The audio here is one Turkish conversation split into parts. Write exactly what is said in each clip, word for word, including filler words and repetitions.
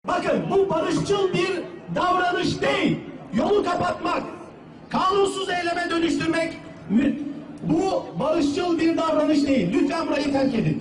Bakın bu barışçıl bir davranış değil. Yolu kapatmak, kanunsuz eyleme dönüştürmek bu barışçıl bir davranış değil. Lütfen burayı terk edin.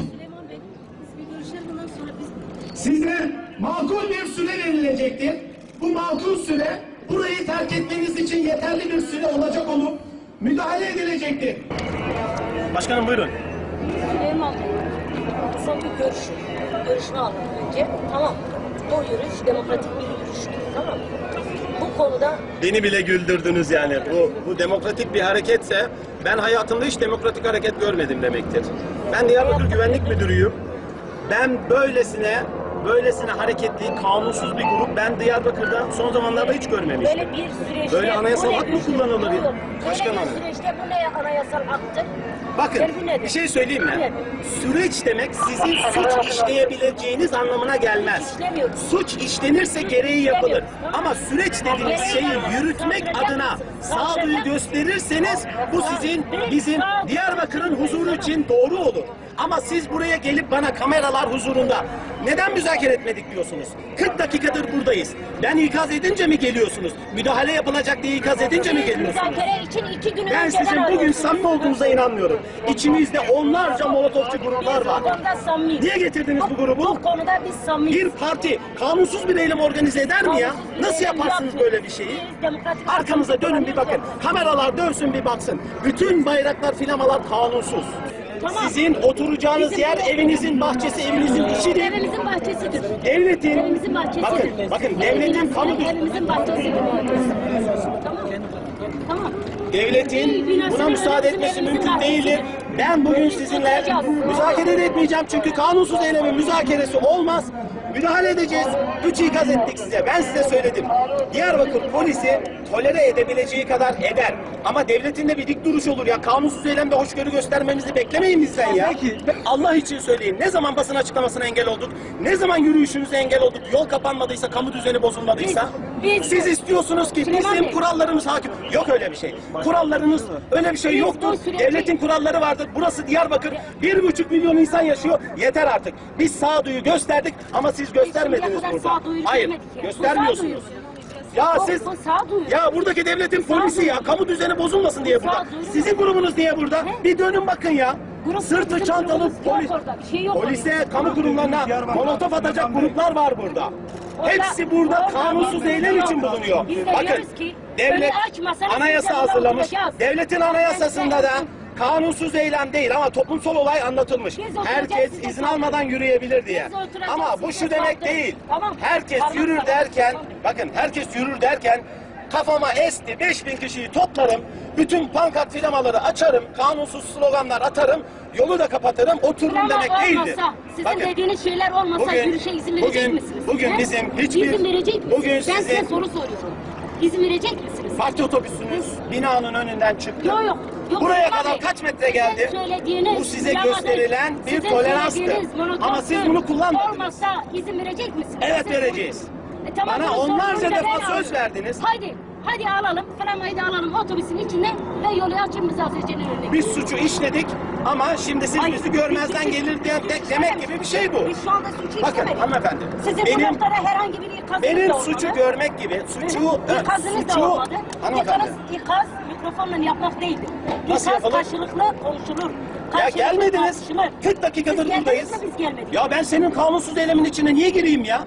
Size makul bir süre verilecektir. Bu makul süre burayı terk etmeniz için yeterli bir süre olacak olup müdahale edilecektir. Başkanım buyurun. Süleyman Bey, kısa bir görüş, görüşünü alın önce. Tamam. Bu yürüyüş demokratik bir yürüyüştür. Tamam. Bu konuda... Beni bile güldürdünüz yani. Bu, bu demokratik bir hareketse ben hayatımda hiç demokratik hareket görmedim demektir. Ben Diyarbakır Güvenlik Müdürüyüm. Ben böylesine böylesine hareketli, kanunsuz bir grup ben Diyarbakır'da son zamanlarda hiç görmemiştim. Böyle bir süreçte... Böyle anayasal hak mı kullanılır? Böyle Başkan bir hanım. süreçte bu ne anayasal haktır? Bakın bir şey söyleyeyim mi? Süreç demek sizin suç işleyebileceğiniz anlamına gelmez. Suç işlenirse gereği yapılır. Ama süreç dediğiniz şeyi yürütmek adına sağduyu gösterirseniz bu sizin, bizim Diyarbakır'ın huzuru için doğru olur. Ama siz buraya gelip bana kameralar huzurunda neden müzakere etmedik diyorsunuz? kırk dakikadır buradayız. Ben ikaz edince mi geliyorsunuz? Müdahale yapılacak diye ikaz edince mi geliyorsunuz? Müzakere için iki gün Ben önceden sizin bugün arıyorsunuz. samimi olduğunuza inanmıyorum. İçimizde onlarca molotofçu gruplar Biz var. bu konuda samimiyiz. Niye getirdiniz bu grubu? Bu konuda biz samimiyiz. Bir parti kanunsuz bir eylem organize eder mi ya? Kanunsuz bir Nasıl eylem yaparsınız yapmıyoruz. böyle bir şeyi? Biz demokratik Arkamıza dönün bir bakın. Kameralar dönsün bir baksın. Bütün bayraklar, flamalar kanunsuz. Tamam. Sizin oturacağınız Bizim yer bu- evinizin bahçesi, evinizin içidir. Evimizin bahçesidir. Devletin, Evimizin bahçesidir. bakın, bakın devletin kamu Evimizin bahçesidir. Tamam. Tamam. Devletin buna müsaade etmesi mümkün değildir. Ben bugün sizinle müzakere de etmeyeceğim çünkü kanunsuz eylemin müzakeresi olmaz. Müdahale edeceğiz. Üç ikaz ettik size. Ben size söyledim. Diyarbakır polisi tolere edebileceği kadar eder. Ama devletin de bir dik duruş olur ya. Kanunsuz eylemde hoşgörü göstermemizi beklemeyin bizden ya. Peki. Allah için söyleyin. Ne zaman basın açıklamasına engel olduk? Ne zaman yürüyüşünüze engel olduk? Yol kapanmadıysa, kamu düzeni bozulmadıysa? Biz- biz- Siz istiyorsunuz ki Süleyman bizim Bey. kurallarımız hakim. Yok öyle bir şey. Kurallarınız öyle bir şey Biz yoktur. bu süreci- Devletin kuralları vardır. Burası Diyarbakır. Bir buçuk milyon insan yaşıyor. Yeter artık. Biz sağduyu gösterdik ama siz göstermediniz Şimdiye kadar burada. sağduyulu Hayır. görmedik ya. Bu Göstermiyorsunuz. Ya Bu- siz bu sağduyu. ya buradaki devletin polisi ya kamu düzeni bozulmasın diye burada. sağduyu. Sizin grubunuz niye burada? He? Bir dönün bakın ya. Grup- Sırtı bizim çantalı grubumuz yok polis. orada, bir şey yok Polise, orada. kamu kurumlarına molotof atacak gruplar var burada. Orada- Hepsi burada orada kanunsuz bir eylem yok. için bulunuyor. Biz de Bakın diyoruz ki, devlet önü açmasanız anayasa biz de hazırlamış. oturacağız. Devletin anayasasında da kanunsuz eylem değil ama toplumsal olay anlatılmış. Biz oturacağız, Herkes biz de izin kalkacağız. almadan yürüyebilir diye. Biz oturacağız, Ama bu biz şu de demek kalkacağız. değil. Tamam. Herkes Parmak yürür parmak. derken, Tamam. bakın herkes yürür derken kafama esti, beş bin kişiyi toplarım, bütün pankart filamaları açarım, kanunsuz sloganlar atarım, yolu da kapatırım, otururum Ama demek değildir. olmasa, sizin Bakın, dediğiniz şeyler olmasa yürüyüşe izin verecek bugün, misiniz? bugün He? bizim hiçbir, İzin verecek misiniz? bugün Ben size sizin soru soruyorum. İzin verecek misiniz? parti otobüsünüz binanın önünden çıktı. Yok yok. Yok, Buraya Süleyman kadar Bey. kaç metre geldi? Sizin söylediğiniz, Bu size Süleyman Bey, gösterilen bir sizin toleranstı. söylediğiniz monoton Ama siz bunu kullanmadınız. Olmasa izin verecek misiniz? Evet, Siz- vereceğiz. E, tamam, Bana bunun onlarca sorumluluğunu da defa ben söz alıyorum. verdiniz. Hadi, hadi alalım, flamayı da alalım otobüsün içine ve yolu açın müzakirecenin önüne. Biz suçu işledik ama şimdi siz Hayır, bizi görmezden biz- gelir diye biz- de- demek gibi bir şey bu. Biz şu anda suçu Bakın işlemedik. hanımefendi, Sizin benim- bu noktada herhangi bir ikazınız Benim da olmadı. suçu görmek gibi, suçu, ö, İkazınız da suçu, olmadı. hanımefendi. İkaz, ikaz mikrofonla yapmak değildir. Nasıl İkaz yapılır? karşılıklı konuşulur. Ya Karşılıklı gelmediniz, tartışılır. kırk dakikadır Siz buradayız. geldiniz mi, biz gelmedik. Ya ben senin kanunsuz eylemin içine niye gireyim ya?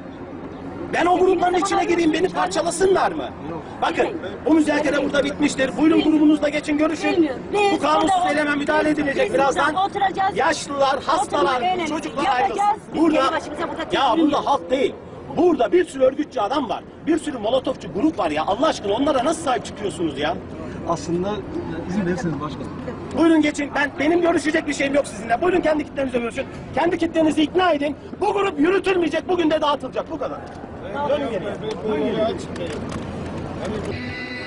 Ben o grupların zaman içine gireyim, beni arıyorsunuz, parçalasınlar mı? Bakın, Bilmiyorum. bu müzakere Bilmiyorum. burada bitmiştir. Buyurun grubunuzda geçin, görüşün. Bilmiyorum. Biz Bu kanunsuz burada- eyleme müdahale biz- edilecek biz birazdan. burada oturacağız. Yaşlılar, hastalar, Oturmak önemli. çocuklar Yapacağız. ayrılsın. Biz Burada, kendi başımıza burada ya teslim burada yiyoruz. halk değil. Burada bir sürü örgütçü adam var. Bir sürü molotofçu grup var ya. Allah aşkına onlara nasıl sahip çıkıyorsunuz ya? Aslında izin verirseniz başkanım. Buyurun geçin. Ben benim görüşecek bir şeyim yok sizinle. Buyurun kendi kitlenizle görüşün. Kendi kitlenizi ikna edin. Bu grup yürütülmeyecek. Bugün de dağıtılacak. Bu kadar. Dönün geriye. Dönün geriye.